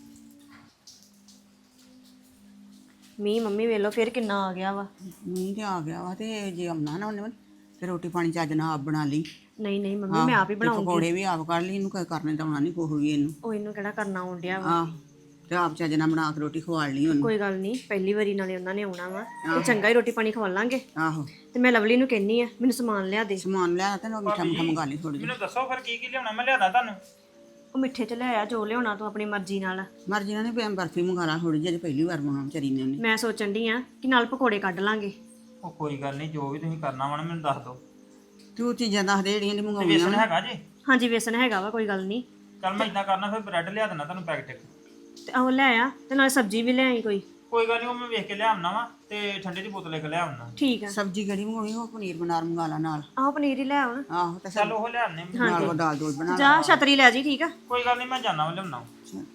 [SPEAKER 3] ਮੀਂਹ ਮੰਮੀ ਵੇਖ ਲਓ ਫੇਰ ਕਿੰਨਾ ਆ ਗਿਆ ਵਾ।
[SPEAKER 4] ਮੀਂਹ ਤੇ ਆ ਗਿਆ ਵਾ, ਤੇ ਜੇ ਆਉਣਾ ਨਾ ਉਹਨੇ ਤੇ ਰੋਟੀ ਪਾਣੀ ਚੱਜ ਨਾਲ ਆਪ ਬਣਾ ਲਈ।
[SPEAKER 3] ਨਹੀਂ ਨਹੀਂ ਮੰਮੀ ਮੈਂ ਆਪ ਹੀ
[SPEAKER 4] ਤੇ
[SPEAKER 3] ਬਣਾਉਂਗੀ।
[SPEAKER 4] ਪਕੌੜੇ ਵੀ ਆਪ ਕੱਢ ਲਈ, ਇਹਨੂੰ ਕੋਈ ਕਰਨੇ ਤਾਂ ਆਉਣਾ ਨਹੀਂ ਕੁਛ ਵੀ ਇਹਨੂੰ।
[SPEAKER 3] ਉਹ ਇਹਨੂੰ ਕਿਹੜਾ ਕਰਨਾ ਆਉਣ ਡਿਆ ਵਾ।
[SPEAKER 4] ਆਹ ਤੇ ਆਪ ਚੱਜ ਨਾਲ ਬਣਾ ਕੇ ਰੋਟੀ ਖਵਾ ਲਈ ਉਹਨੂੰ।
[SPEAKER 3] ਕੋਈ ਗੱਲ ਨਹੀਂ, ਪਹਿਲੀ ਵਾਰੀ ਨਾਲੇ ਉਹਨਾਂ ਨੇ ਆਉਣਾ ਵਾ, ਤੇ ਚੰਗਾ ਹੀ ਰੋਟੀ ਪਾਣੀ ਖਵਾਲਾਂਗੇ।
[SPEAKER 4] ਆਹੋ
[SPEAKER 3] ਤੇ ਮੈਂ ਲਵਲੀ ਨੂੰ ਕਹਿੰਨੀ ਆ ਮੈਨੂੰ ਸਮਾਨ ਲਿਆ ਦੇ।
[SPEAKER 4] ਸਮਾਨ ਲਿਆ ਤੇ ਮਿੱਠਾ ਮੁੱਠਾ ਮੰਗਾ ਲਈ ਥੋੜੀ ਜਿਹੀ।
[SPEAKER 2] ਮੈਨੂੰ ਦੱਸੋ ਫਿਰ ਕੀ ਕੀ ਲਿਆਉਣਾ, ਮੈਂ ਲਿਆਦਾ ਤੁਹਾਨੂੰ।
[SPEAKER 3] ਉਹ ਮਿੱਠੇ ਚ ਲੈ ਆ ਜੋ ਲਿਆਉਣਾ ਤੂੰ ਆਪਣੀ ਮਰਜ਼ੀ ਨਾਲ।
[SPEAKER 4] ਮਰਜ਼ੀ ਨਾਲ ਨਹੀਂ, ਬਰਫੀ ਮੰਗਾ ਲਾ ਥੋੜੀ ਜਿਹੀ, ਪਹਿਲੀ ਵਾਰ ਬਣਾਉਣਾ ਵਿਚਾਰੀ ਨੇ ਉਹਨੇ।
[SPEAKER 3] ਮੈਂ ਸੋਚਣ ਡਈ ਆ ਕਿ ਨਾਲ ਪਕੌੜੇ ਕੱਢ ਲਾਂਗੇ।
[SPEAKER 2] ਉਹ ਕੋਈ ਗੱਲ ਨਹੀਂ, ਜੋ ਵੀ ਤੁਸੀਂ ਕਰਨਾ ਵਾ ਨਾ ਮੈਨੂੰ ਦੱਸ ਦਿਓ।
[SPEAKER 4] ਤੂੰ ਚੀਜ਼ਾਂ ਦੱਸ ਦੇ ਜਿਹੜੀਆਂ ਦੀ
[SPEAKER 2] ਤੇ
[SPEAKER 4] ਮੰਗਾਉਣੀਆਂ
[SPEAKER 2] ਵੇਸਣ
[SPEAKER 4] ਵਾ।
[SPEAKER 2] ਹੈਗਾ ਜੀ?
[SPEAKER 3] ਹਾਂਜੀ ਵੇਸਣ ਹੈਗਾ ਵਾ, ਕੋਈ ਗੱਲ ਨਹੀਂ।
[SPEAKER 2] ਚੱਲ ਮੈਂ ਇਦਾਂ ਕਰਨਾ, ਫਿਰ ਬ੍ਰੈਡ ਲਿਆ ਦੇਣਾ ਤੁਹਾਨੂੰ ਪੈਕਟ।
[SPEAKER 3] ਤੇ ਉਹ ਲੈ ਆ, ਤੇ ਨਾਲ ਸਬਜ਼ੀ ਵੀ ਲੈ ਆਈ ਕੋਈ।
[SPEAKER 2] ਕੋਈ ਗੱਲ ਨਹੀਂ, ਉਹ ਮੈਂ ਵੇਖ ਕੇ ਲਿਆਉਣਾ ਵਾ, ਤੇ ਠੰਡੇ ਦੀ ਬੋਤਲ ਇੱਕ ਲਿਆਉਣਾ।
[SPEAKER 3] ਠੀਕ ਆ।
[SPEAKER 4] ਸਬਜ਼ੀ ਕਿਹੜੀ ਮੰਗਾਉਣੀ, ਉਹ ਪਨੀਰ ਬਨਾਰ ਮੰਗਾ ਲਾ ਨਾਲ।
[SPEAKER 3] ਆਹ ਪਨੀਰ ਹੀ ਲੈ ਆਉਣ।
[SPEAKER 4] ਆਹੋ ਤੇ
[SPEAKER 2] ਚੱਲ ਉਹ ਲਿਆਉਣੇ।
[SPEAKER 4] ਨਾਲ ਉਹ ਦਾਲ ਦੋਲ ਬਣਾ
[SPEAKER 3] ਜਾ ਛਤਰੀ ਲੈ ਜੀ, ਠੀਕ ਆ।
[SPEAKER 2] ਕੋਈ ਗੱਲ ਨਹੀਂ, ਮੈਂ ਜਾਣਾ ਵਾ ਲਿਆਉਣਾ।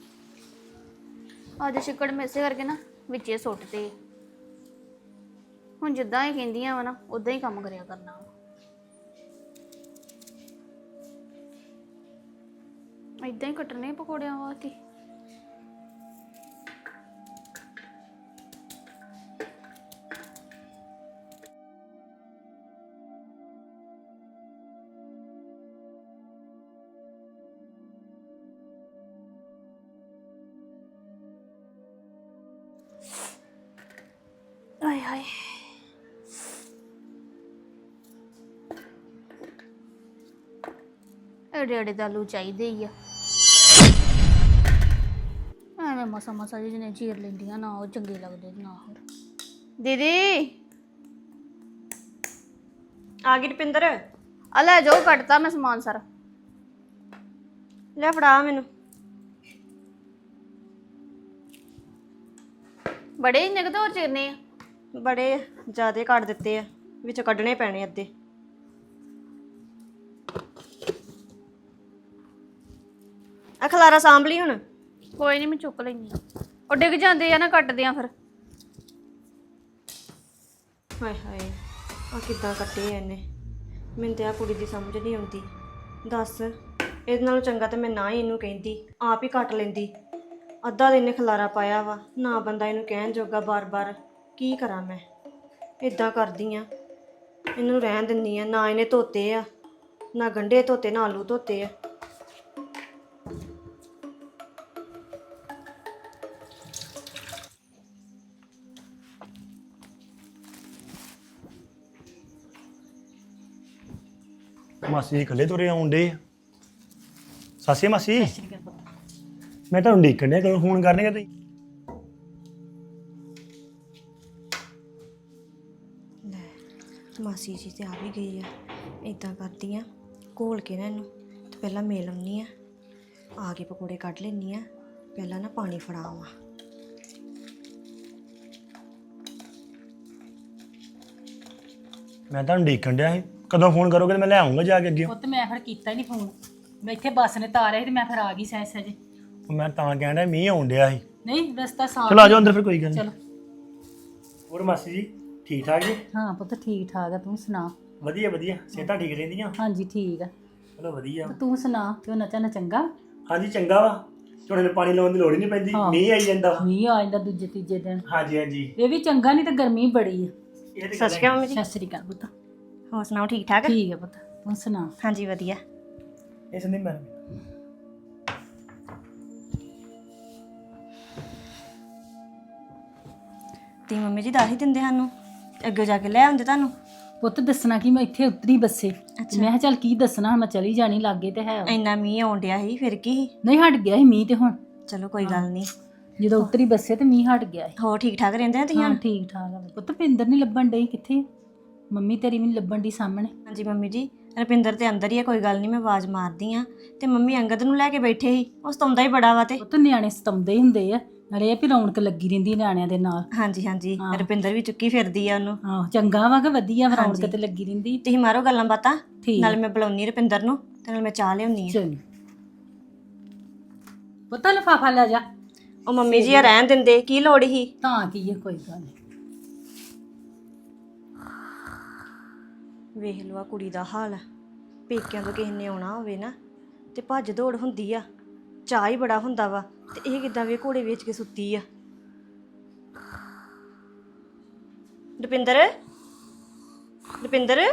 [SPEAKER 1] ਅੱਜ ਛਿੱਕੜ ਮੇਸੇ ਕਰਕੇ ਨਾ ਵਿੱਚੇ ਸੁੱਟ ਤੇ, ਹੁਣ ਜਿੱਦਾਂ ਹੀ ਕਹਿੰਦੀਆਂ ਵਾ ਨਾ ਉਦਾਂ ਹੀ ਕੰਮ ਕਰਿਆ ਕਰਨਾ ਵਾ। ਇਦਾਂ ਹੀ ਕੱਟਣੇ ਪਕੌੜਿਆਂ ਵਾਸਤੇ। ਆਏ ਹਾਏ, ਐਡੇ ਐਡੇ ਤਾਂ ਆਲੂ ਚਾਹੀਦੇ ਹੀ ਆ। ਐਵੇਂ ਮਸਾ ਮਸਾ ਜਿਹਨੇ ਚੀਰ ਲੈਂਦੀਆਂ ਨਾ, ਉਹ ਚੰਗੇ ਲੱਗਦੇ ਨਾ। ਹੋਰ ਦੀਦੀ
[SPEAKER 3] ਆ ਗਈ ਰੁਪਿੰਦਰ,
[SPEAKER 1] ਆ ਲੈ ਜਾਓ, ਕੱਟਤਾ ਮੈਂ ਸਮਾਨ ਸਾਰਾ।
[SPEAKER 3] ਲੈ ਫੜਾ ਮੈਨੂੰ।
[SPEAKER 1] ਬੜੇ ਇੰਨੇ ਕੁ ਤਾਂ ਹੋਰ ਚਿਰਨੇ ਆ।
[SPEAKER 3] ਬੜੇ ਜ਼ਿਆਦੇ ਕੱਢ ਦਿੱਤੇ ਆ, ਵਿੱਚੋਂ ਕੱਢਣੇ ਪੈਣੇ ਅੱਧੇ। ਆ ਖਲਾਰਾ ਸਾਂਭ ਲਈ ਹੁਣ।
[SPEAKER 1] ਕੋਈ ਨਹੀਂ, ਮੈਂ ਚੁੱਕ ਲੈਂਦੀ ਆ। ਉਹ ਡਿੱਗ ਜਾਂਦੇ ਆ ਨਾ ਕੱਟਦੇ ਆ ਫਿਰ।
[SPEAKER 3] ਹਾਏ ਹਾਏ, ਆ ਕਿੱਦਾਂ ਕੱਟੇ ਆ ਇਹਨੇ, ਮੈਨੂੰ ਤੇ ਆ ਕੁੜੀ ਦੀ ਸਮਝ ਨਹੀਂ ਆਉਂਦੀ। ਦੱਸ, ਇਹਦੇ ਨਾਲੋਂ ਚੰਗਾ ਤਾਂ ਮੈਂ ਨਾ ਹੀ ਇਹਨੂੰ ਕਹਿੰਦੀ, ਆਪ ਹੀ ਕੱਟ ਲੈਂਦੀ। ਅੱਧਾ ਦਿਨ ਖਲਾਰਾ ਪਾਇਆ ਵਾ, ਨਾ ਬੰਦਾ ਇਹਨੂੰ ਕਹਿਣ ਜੋਗਾ ਬਾਰ-ਬਾਰ। ਕੀ ਕਰਾਂ ਮੈਂ? ਇਦਾਂ ਕਰਦੀ ਆ, ਇਹਨੂੰ ਰਹਿਣ ਦਿੰਦੀ ਆ। ਨਾ ਇਹਨੇ ਧੋਤੇ ਆ, ਨਾ ਗੰਢੇ ਧੋਤੇ, ਨਾ ਆਲੂ ਧੋਤੇ ਆ।
[SPEAKER 5] ਮਾਸੀ ਜੀ ਇਕੱਲੇ ਤੁਰੇ ਆਉਂਦੇ ਸਾਸੀ ਮਾਸੀ ਮੈਂ ਤੁਹਾਨੂੰ ਦੇਖਣ ਡਿਆ ਕਦੋਂ ਫੋਨ ਕਰਨਗੇ ਤੁਸੀਂ
[SPEAKER 3] ਮਾਸੀ ਜੀ ਤੇ ਆ ਵੀ ਗਈ ਆ। ਇਦਾਂ ਕਰਦੀ ਆ, ਘੋਲ ਕੇ ਨਾ ਇਹਨੂੰ ਤੇ ਪਹਿਲਾਂ ਮੇਲ ਆਉਣੀ ਆ ਕੇ ਪਕੌੜੇ ਕੱਢ ਲੈਣੀ ਆ। ਪਹਿਲਾਂ ਨਾ ਪਾਣੀ ਫੜਾਵਾਂ।
[SPEAKER 5] ਮੈਂ ਤੁਹਾਨੂੰ ਦੇਖਣ ਡਿਆ ਸੀ ਕਦੋਂ ਫੋਨ ਕਰੋਗੇ ਤੇ ਮੈਂ ਲੈ ਆਉਂਗਾ ਜਾ ਕੇ ਅੱਗੇ
[SPEAKER 6] ਪੁੱਤ ਮੈਂ ਫਿਰ ਕੀਤਾ ਹੀ ਨਹੀਂ ਫੋਨ। ਮੈਂ ਇੱਥੇ ਬੱਸ ਨੇ ਤਾਰਿਆ ਸੀ ਤੇ ਮੈਂ ਫਿਰ ਆ ਗਈ ਸਹਿ ਸਹਿਜੇ।
[SPEAKER 5] ਮੈਂ ਤਾਂ ਕਹਿਣ ਡਿਆ ਮੀਂਹ ਆਉਣ ਡਿਆ ਸੀ
[SPEAKER 6] ਨਹੀਂ ਰਸਤਾ ਸਾਫ।
[SPEAKER 5] ਚਲੋ ਆ ਜਾਓ ਅੰਦਰ ਫਿਰ ਕੋਈ ਗੱਲ ਨਹੀਂ
[SPEAKER 6] ਚਲੋ।
[SPEAKER 5] ਹੋਰ ਮਾਸੀ ਜੀ ਠੀਕ ਠਾਕ ਜੀ
[SPEAKER 6] ਹਾਂ ਪੁੱਤ ਠੀਕ ਠਾਕ ਆ, ਤੂੰ ਸੁਣਾ?
[SPEAKER 5] ਵਧੀਆ ਵਧੀਆ ਸਿਹਤਾਂ ਠੀਕ ਰਹਿੰਦੀਆਂ
[SPEAKER 6] ਹਾਂਜੀ ਠੀਕ ਆ।
[SPEAKER 5] ਚਲੋ ਵਧੀਆ
[SPEAKER 6] ਤੇ ਤੂੰ ਸੁਣਾ, ਕਿਉਂ ਨਚਾ ਚੰਗਾ?
[SPEAKER 5] ਹਾਂਜੀ ਚੰਗਾ ਵਾ ਝੋਨੇ ਨੂੰ ਪਾਣੀ ਲਾਉਣ ਦੀ ਲੋੜ ਹੀ ਨਹੀਂ ਪੈਂਦੀ
[SPEAKER 6] ਹਾਂ।
[SPEAKER 5] ਮੀਂਹ ਆਈ ਜਾਂਦਾ ਵਾ।
[SPEAKER 6] ਮੀਂਹ ਆ ਜਾਂਦਾ ਦੂਜੇ ਤੀਜੇ ਦਿਨ।
[SPEAKER 5] ਹਾਂਜੀ ਹਾਂਜੀ
[SPEAKER 6] ਇਹ ਵੀ ਚੰਗਾ, ਨਹੀਂ ਤੇ ਗਰਮੀ ਬੜੀ ਆ।
[SPEAKER 5] ਇਹ ਤੇ
[SPEAKER 3] ਸਤਿ ਸ਼੍ਰੀ ਅਕਾਲ ਮੰਮੀ ਜੀ।
[SPEAKER 6] ਸਤਿ ਸ੍ਰੀ ਅਕਾਲ ਪੁੱਤ।
[SPEAKER 3] ਹੋਰ ਸੁਣਾਓ ਠੀਕ ਠਾਕ?
[SPEAKER 6] ਠੀਕ ਆ ਪੁੱਤ, ਤੂੰ ਸੁਣਾ?
[SPEAKER 3] ਹਾਂਜੀ ਵਧੀਆ।
[SPEAKER 5] ਇਹ ਸੰਦੀਪ ਮੈਡਮ
[SPEAKER 3] ਤੇ ਮੰਮੀ ਜੀ ਦੱਸ ਹੀ ਦਿੰਦੇ ਸਾਨੂੰ, ਅੱਗੇ ਜਾ ਕੇ ਲੈ ਆਉਂਦੇ ਤੁਹਾਨੂੰ।
[SPEAKER 6] ਪੁੱਤ ਦੱਸਣਾ ਕਿ ਮੈਂ ਇੱਥੇ ਉਤਰੀ ਬੱਸੇ। ਤੇ ਮੈਂ ਕਿਹਾ ਚੱਲ ਕੀ ਦੱਸਣਾ, ਮੈਂ ਚਲੀ ਜਾਣੀ, ਲਾਗੇ ਤੇ ਹੈ।
[SPEAKER 3] ਇੰਨਾ ਮੀਂਹ ਆਉਣ ਡਿਆ ਸੀ, ਫਿਰ ਕੀ ਸੀ?
[SPEAKER 6] ਨਹੀਂ ਹਟ ਗਿਆ ਸੀ ਮੀਂਹ ਤੇ ਹੁਣ
[SPEAKER 3] ਚਲੋ ਕੋਈ ਗੱਲ ਨਹੀਂ।
[SPEAKER 6] ਜਦੋਂ ਉਤਰੀ ਬੱਸੇ ਤੇ ਮੀਂਹ ਹਟ ਗਿਆ ਸੀ।
[SPEAKER 3] ਹੋਰ ਠੀਕ ਠਾਕ ਰਹਿੰਦੇ ਆ ਤੁਸੀਂ?
[SPEAKER 6] ਹਾਂ ਠੀਕ ਠਾਕ ਆ ਪੁੱਤ। ਪਿੰਦਰ ਨਹੀਂ ਲੱਭਣ ਡਈ, ਕਿੱਥੇ? ਮੰਮੀ ਤੇਰੀ ਵੀ ਨੀ ਲੱਭਣ ਡਈ ਸਾਹਮਣੇ।
[SPEAKER 3] ਹਾਂਜੀ ਮੰਮੀ ਜੀ, ਰੁਪਿੰਦਰ ਤੇ ਅੰਦਰ ਹੀ ਆ, ਕੋਈ ਗੱਲ ਨਹੀਂ, ਮੈਂ ਆਵਾਜ਼ ਮਾਰਦੀ ਆ। ਤੇ ਮੰਮੀ ਅੰਗਦ ਨੂੰ ਲੈ ਕੇ ਬੈਠੇ ਸੀ, ਉਹ ਸਤਾਉਂਦਾ ਹੀ ਬੜਾ ਵਾ। ਤੇ
[SPEAKER 6] ਪੁੱਤ ਨਿਆਣੇ ਸਤਾਉਂਦੇ ਹੀ ਹੁੰਦੇ ਆ, ਨਾਲੇ ਇਹ ਵੀ ਰੌਣਕ ਲੱਗੀ ਰਹਿੰਦੀ ਨਿਆਣਿਆਂ ਦੇ ਨਾਲ।
[SPEAKER 3] ਹਾਂਜੀ ਹਾਂਜੀ,
[SPEAKER 6] ਹਾਂ।
[SPEAKER 3] ਰੁਪਿੰਦਰ ਵੀ ਚੁੱਕੀ ਫਿਰਦੀ ਆ ਉਹਨੂੰ।
[SPEAKER 6] ਆਹੋ ਚੰਗਾ ਵਾ ਕਿ ਵਧੀਆ ਰੌਣਕ
[SPEAKER 3] ਹਾਂਜੀ।
[SPEAKER 6] ਤੇ ਲੱਗੀ ਰਹਿੰਦੀ।
[SPEAKER 3] ਤੁਸੀਂ ਮਾਰੋ ਗੱਲਾਂ ਬਾਤਾਂ,
[SPEAKER 6] ਠੀਕ
[SPEAKER 3] ਨਾਲ ਮੈਂ ਬੁਲਾਉਣੀ ਰੁਪਿੰਦਰ ਨੂੰ ਤੇ ਨਾਲ ਮੈਂ ਚਾਹ ਲਿਆਉਣੀ ਆ।
[SPEAKER 6] ਚਲ ਪੁੱਤ ਲਿਫਾਫਾ ਲੈ ਜਾ।
[SPEAKER 3] ਉਹ ਮੰਮੀ ਜੀ ਆ ਰਹਿਣ ਦਿੰਦੇ, ਕੀ ਲੋੜ ਹੀ?
[SPEAKER 6] ਤਾਂ ਕੀ ਹੈ, ਕੋਈ ਗੱਲ ਨਹੀਂ।
[SPEAKER 3] ਵੇਖ ਲਓ ਆ ਕੁੜੀ ਦਾ ਹਾਲ। ਪੇਕਿਆਂ ਤੋਂ ਕਿਸੇ ਨੇ ਆਉਣਾ ਹੋਵੇ ਨਾ ਤੇ ਭੱਜ ਦੌੜ ਹੁੰਦੀ ਆ, ਚਾਹ ਹੀ ਬੜਾ ਹੁੰਦਾ ਵਾ। ਤੇ ਇਹ ਕਿੱਦਾਂ ਵੇ ਘੋੜੇ ਵੇਚ ਕੇ ਸੁੱਤੀ ਆ। ਰੁਪਿੰਦਰ, ਰੁਪਿੰਦਰ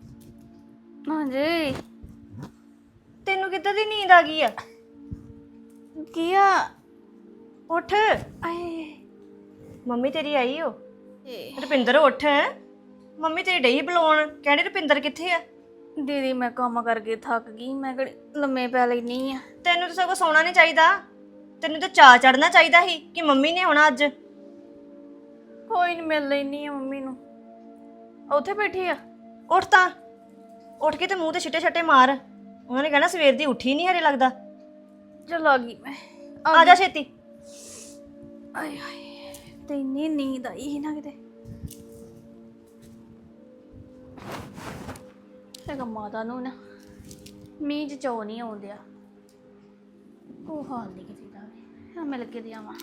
[SPEAKER 1] ਹਾਂਜੀ
[SPEAKER 3] ਤੈਨੂੰ ਕਿੱਦਾਂ ਦੀ ਨੀਂਦ ਆ ਗਈ ਆ?
[SPEAKER 1] ਕੀ ਆ?
[SPEAKER 3] ਉੱਠ,
[SPEAKER 1] ਆਏ
[SPEAKER 3] ਮੰਮੀ ਤੇਰੀ ਆਈ ਓ।
[SPEAKER 1] ਏ,
[SPEAKER 3] ਰੁਪਿੰਦਰ ਉੱਠ, ਮੰਮੀ ਤੇਰੀ ਡਈ ਬੁਲਾਉਣ, ਕਹਿੰਦੀ ਰੁਪਿੰਦਰ ਕਿੱਥੇ ਆ?
[SPEAKER 1] ਦੀਦੀ ਮੈਂ ਕੰਮ ਕਰਕੇ ਥੱਕ ਗਈ, ਮੈਂ ਕਿਹੜੀ ਲੰਮੇ ਪੈ ਲੈਣੀ ਆ।
[SPEAKER 3] ਤੈਨੂੰ ਤਾਂ ਸਗੋਂ ਸੌਣਾ ਨਹੀਂ ਚਾਹੀਦਾ, ਤੈਨੂੰ ਤਾਂ ਚਾਅ ਚੜਨਾ ਚਾਹੀਦਾ ਸੀ ਕਿ ਮੰਮੀ ਨੇ ਆਉਣਾ ਅੱਜ।
[SPEAKER 1] ਕੋਈ ਨਹੀਂ, ਮਿਲ ਲੈਣੀ ਆ ਮੰਮੀ ਨੂੰ। ਉੱਥੇ ਬੈਠੀ ਆ?
[SPEAKER 3] ਉੱਠ ਤਾਂ, ਉੱਠ ਕੇ ਤੇ ਮੂੰਹ ਤੇ ਛਿੱਟੇ ਛੱਟੇ ਮਾਰ। ਉਹਨਾਂ ਨੇ ਕਹਿਣਾ ਸਵੇਰ ਦੀ ਉੱਠੀ ਨਹੀਂ ਹਰੇ ਲੱਗਦਾ।
[SPEAKER 1] ਚਲ ਆ ਗਈ ਮੈਂ।
[SPEAKER 3] ਆ ਜਾ ਛੇਤੀ।
[SPEAKER 1] ਆਏ ਹਾਏ, ਤੇ ਇੰਨੀ ਨੀਂਦ ਆਈ ਸੀ ਨਾ ਕਿਤੇ। ਹੈਗਾ ਮਾਤਾ ਨੂੰ ਨਾ ਮੀਂਹ ਚ ਚੋ ਨਹੀਂ ਆਉਂਦਿਆ। ਉਹ ਹਾਲ ਨਹੀਂ ਕਿਤੇ ਦਾ ਵੀ। ਹਾਂ ਮਿਲ ਕੇ ਦੇ ਆਵਾਂ।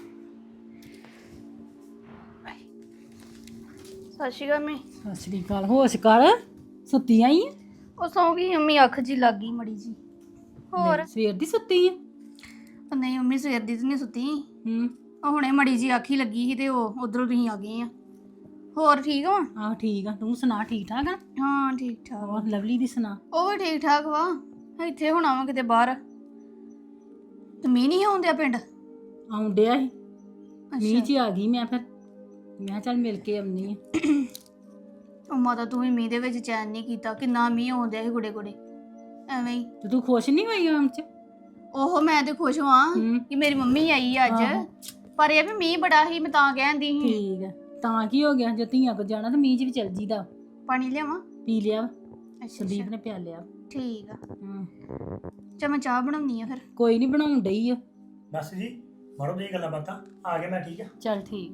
[SPEAKER 1] ਸਤਿ ਸ਼੍ਰੀ ਅਕਾਲ ਮੈਂ।
[SPEAKER 6] ਸਤਿ ਸ੍ਰੀ ਅਕਾਲ। ਹੋਸ਼ ਕਰ, ਸੁੱਤੀ ਆਈ ਆ?
[SPEAKER 1] ਉਹ ਸੌਂ ਗਈ ਮੰਮੀ, ਅੱਖ ਜੀ ਲੱਗ ਗਈ ਮੜੀ ਜੀ। ਹੋਰ?
[SPEAKER 6] ਸਵੇਰ ਦੀ ਸੁੱਤੀ ਆ?
[SPEAKER 1] ਉਹ ਨਹੀਂ ਮੰਮੀ ਸਵੇਰ ਦੀ ਤਾਂ ਨਹੀਂ ਸੁੱਤੀ।
[SPEAKER 6] ਹੂੰ।
[SPEAKER 1] ਉਹ ਹੁਣੇ ਮੜੀ ਜੀ ਅੱਖ ਹੀ ਲੱਗੀ ਸੀ ਤੇ ਉਹ ਉਧਰੋਂ ਤੁਸੀਂ ਆ ਗਏ ਆ। ਹੋਰ ਠੀਕ ਹੋ?
[SPEAKER 6] ਆਹ ਠੀਕ ਆ, ਤੂੰ ਸੁਣਾ? ਠੀਕ ਠਾਕ ਆ?
[SPEAKER 1] ਹਾਂ ਠੀਕ ਠਾਕ।
[SPEAKER 6] ਹੋਰ ਲਵਲੀ ਦੀ ਸੁਣਾ?
[SPEAKER 1] ਉਹ ਵੀ ਠੀਕ ਠਾਕ ਵਾ। ਇੱਥੇ ਹੁਣ ਆਵਾਂ ਕਿਤੇ ਬਾਹਰ ਤੇ ਮੀਂਹ ਨਹੀਂ ਆਉਂਦਿਆ ਪਿੰਡ।
[SPEAKER 6] ਆਉਣ ਡਿਆ ਸੀ ਮੀਂਹ 'ਚ ਆ ਗਈ ਮੈਂ। ਫਿਰ ਮੈਂ ਕਿਹਾ ਚੱਲ ਮਿਲ ਕੇ ਆਉਣੀ ਆ।
[SPEAKER 1] ਉਹ ਮਾਤਾ ਤੂੰ ਵੀ ਮੀਂਹ ਦੇ ਵਿੱਚ ਚੈਨ ਨਹੀਂ ਕੀਤਾ, ਕਿੰਨਾ ਮੀਂਹ ਆਉਂਦਿਆ ਸੀ ਗੁੜੇ ਗੁੜੇ ਐਵੇਂ ਹੀ।
[SPEAKER 6] ਤੇ ਤੂੰ ਖੁਸ਼ ਨਹੀਂ ਹੋਈ ਆਉਣ 'ਚ?
[SPEAKER 1] ਉਹ ਮੈਂ ਤੇ ਖੁਸ਼ ਹਾਂ
[SPEAKER 6] ਹੂੰ।
[SPEAKER 1] ਕਿ ਮੇਰੀ ਮੰਮੀ ਆਈ ਆ ਅੱਜ।
[SPEAKER 6] ਆਹੋ।
[SPEAKER 1] ਪਰ ਇਹ ਵੀ ਮੀਂਹ ਬੜਾ ਸੀ, ਮੈਂ ਤਾਂ ਕਹਿੰਦੀ ਸੀ।
[SPEAKER 6] ਠੀਕ ਆ, ਤਾਂ ਕੀ ਹੋ ਗਿਆ? ਜੇ ਧੀਆਂ ਕੋ ਜਾਣਾ ਤਾਂ ਮੀਂਹ 'ਚ ਵੀ ਚੱਲ ਜੀਦਾ।
[SPEAKER 1] ਪਾਣੀ ਲਿਆਵਾਂ?
[SPEAKER 6] ਪੀ ਲਿਆ ਵਾ,
[SPEAKER 1] ਅੱਛਾ
[SPEAKER 6] ਸੰਦੀਪ
[SPEAKER 1] ਅੱਛਾ,
[SPEAKER 6] ਨੇ ਪਿਆ ਲਿਆ।
[SPEAKER 1] ਠੀਕ ਆ।
[SPEAKER 6] ਹਾਂ
[SPEAKER 1] ਚਲ ਮੈਂ ਚਾਹ ਬਣਾਉਣੀ ਆ ਫਿਰ।
[SPEAKER 6] ਕੋਈ ਨਹੀਂ, ਬਣਾਉਣ ਡਈ ਆ।
[SPEAKER 5] ਮਾਸੀ ਜੀ ਮਾਰੋ ਜੀ ਗੱਲਾਂ ਬਾਤਾਂ ਆ ਗਿਆ ਮੈਂ ਠੀਕ ਆ
[SPEAKER 6] ਚੱਲ ਠੀਕ।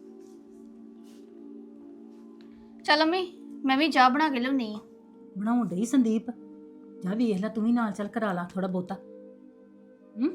[SPEAKER 1] ਚੱਲ ਅੰਮੀ ਮੈਂ ਵੀ ਚਾਹ ਬਣਾ ਕੇ ਲਿਆਉਣੀ ਆ।
[SPEAKER 6] ਬਣਾਉਣ ਡਈ ਸੰਦੀਪ। ਜਾ ਵੇਖ ਲੈ, ਤੂੰ ਵੀ ਨਾਲ ਚੱਲ ਕਰਾ ਲਾ ਥੋੜਾ ਬਹੁਤਾ। ਹੂੰ।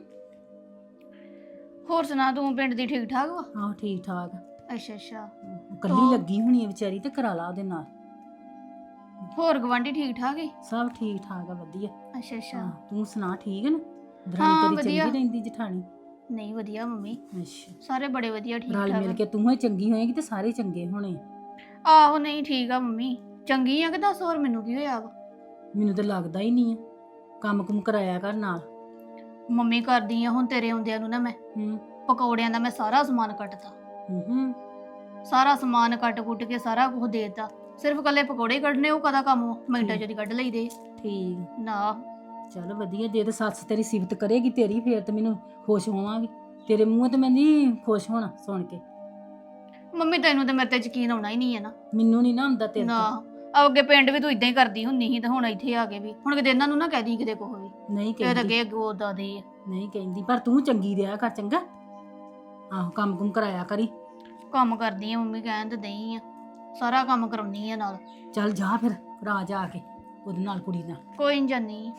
[SPEAKER 1] ਹੋਰ ਸੁਣਾ, ਤੂੰ ਪਿੰਡ ਦੀ ਠੀਕ ਠਾਕ ਵਾ?
[SPEAKER 6] ਆਹੋ ਠੀਕ ਠਾਕ।
[SPEAKER 1] ਅੱਛਾ ਅੱਛਾ।
[SPEAKER 6] ਕੱਲੀ ਲੱਗੀ ਹੋਣੀ ਆ ਵਿਚਾਰੀ, ਤੇ ਕਰਾ ਲਾ ਉਹਦੇ ਨਾਲ।
[SPEAKER 1] ਹੋਰ ਗਵਾਂਢੀ ਠੀਕ ਠਾਕ ਈ?
[SPEAKER 6] ਸਭ ਠੀਕ ਠਾਕ ਆ, ਵਧੀਆ।
[SPEAKER 1] ਅੱਛਾ ਅੱਛਾ।
[SPEAKER 6] ਹਾਂ, ਤੂੰ ਸੁਣਾ? ਠੀਕ ਹੈ ਨਾ?
[SPEAKER 1] ਹਾਂ,
[SPEAKER 6] ਦਰਾਣੀ ਤੇਰੀ
[SPEAKER 1] ਵਧੀਆ।
[SPEAKER 6] ਚੰਗੀ ਰਹਿੰਦੀ ਜਠਾਣੀ?
[SPEAKER 1] ਨਹੀਂ ਵਧੀਆ ਮੰਮੀ,
[SPEAKER 6] ਅੱਛਾ।
[SPEAKER 1] ਸਾਰੇ ਬੜੇ ਵਧੀਆ ਠੀਕ
[SPEAKER 6] ਰਲ ਮਿਲ
[SPEAKER 1] ਠਾਕ।
[SPEAKER 6] ਕੇ ਤੂੰ ਹੀ ਚੰਗੀ ਹੋਏਗੀ ਤੇ ਸਾਰੇ ਚੰਗੇ ਹੋਣੇ।
[SPEAKER 1] ਆਹੋ ਨਹੀਂ ਠੀਕ ਆ ਮੰਮੀ, ਚੰਗੀ ਆ ਕਿ ਦੱਸ ਹੋਰ ਮੈਨੂੰ ਕੀ ਹੋਇਆ ਵਾ?
[SPEAKER 6] ਮੈਨੂੰ ਤਾਂ ਲੱਗਦਾ ਹੀ ਨਹੀਂ ਆ। ਕੰਮ ਕੁਮ ਕਰਾਇਆ ਕਰ ਨਾਲ।
[SPEAKER 1] ਮੰਮੀ ਕਰਦੀ ਆ ਹੁਣ ਤੇਰੇ ਆਉਂਦਿਆਂ ਨੂੰ ਨਾ ਮੈਂ
[SPEAKER 6] ਹੂੰ
[SPEAKER 1] ਪਕੌੜਿਆਂ ਦਾ ਮੈਂ ਸਾਰਾ ਸਮਾਨ ਕੱਟਤਾ।
[SPEAKER 6] ਹੂੰ।
[SPEAKER 1] ਸਾਰਾ ਸਮਾਨ ਕੱਟ-ਕੁੱਟ ਕੇ ਸਾਰਾ ਕੁਝ ਦੇਤਾ। ਸਿਰਫ ਕੱਲੇ ਪਕੌੜੇ ਕੱਢਨੇ ਉਹ ਕਦਾ ਕੰਮ ਵਾ? ਮਿੰਟਾਂ 'ਚ ਦੀ ਕੱਢ ਲਈਦੇ
[SPEAKER 6] ਠੀਕ
[SPEAKER 1] ਨਾ।
[SPEAKER 6] ਚਲ ਵਧੀਆ, ਜੇ ਤੇ ਸੱਸ ਤੇਰੀ ਸਿਫਤ ਕਰੇਗੀ ਤੇਰੀ ਫੇਰ ਤੇ ਮੈਨੂੰ ਖੁਸ਼ ਹੋਵਾਂਗੀ। ਤੇਰੇ ਮੂੰਹ ਤੇ ਮੈਂ ਨਹੀਂ ਖੁਸ਼ ਹੋਣਾ ਸੁਣ ਕੇ।
[SPEAKER 1] ਮੰਮੀ ਤੈਨੂੰ ਤੇ ਮੇਰੇ ਤੇ ਯਕੀਨ ਆਉਣਾ ਹੀ ਨਹੀਂ ਹੈ ਨਾ।
[SPEAKER 6] ਮੈਨੂੰ ਨਹੀਂ ਨਾ ਹੁੰਦਾ ਤੇਰੇ
[SPEAKER 1] ਨਾ
[SPEAKER 6] ਤੇ।
[SPEAKER 1] ਅੱਗੇ ਪਿੰਡ ਵੀ ਤੂੰ ਇਦਾਂ ਹੀ ਕਰਦੀ ਹੁੰਦੀ ਸੀ ਤੇ ਹੁਣ ਇੱਥੇ ਆ ਕੇ ਵੀ ਹੁਣ ਕਿਤੇ ਇਹਨਾਂ ਨੂੰ ਨਾ ਕਹਿ ਦੀ ਕਿਤੇ ਕੁਛ ਵੀ।
[SPEAKER 6] ਨਹੀਂ
[SPEAKER 1] ਫਿਰ
[SPEAKER 6] ਕਹਿੰਦੀ,
[SPEAKER 1] ਅੱਗੇ ਗੋਦਾ ਦੇ ਆ।
[SPEAKER 6] ਨਹੀਂ ਕਹਿੰਦੀ, ਪਰ ਤੂੰ ਚੰਗੀ ਰਿਹਾ ਕਰ ਚੰਗਾ। ਆਹੋ ਕੰਮ ਕੁਮ ਕਰਾਇਆ ਕਰੀ।
[SPEAKER 1] ਕੰਮ ਕਰਦੀ ਆ ਮੰਮੀ, ਕਹਿਣ ਤੇ ਦਈ ਆ, ਸਾਰਾ ਕੰਮ ਕਰਾਉਣੀ ਆ ਨਾਲ।
[SPEAKER 6] ਚੱਲ ਜਾ ਫਿਰ ਕਰਾ ਜਾ ਕੇ ਉਹਦੇ ਨਾਲ ਕੁੜੀ ਨਾਲ।
[SPEAKER 1] ਕੋਈ ਨਹੀਂ ਜਾਨੀ।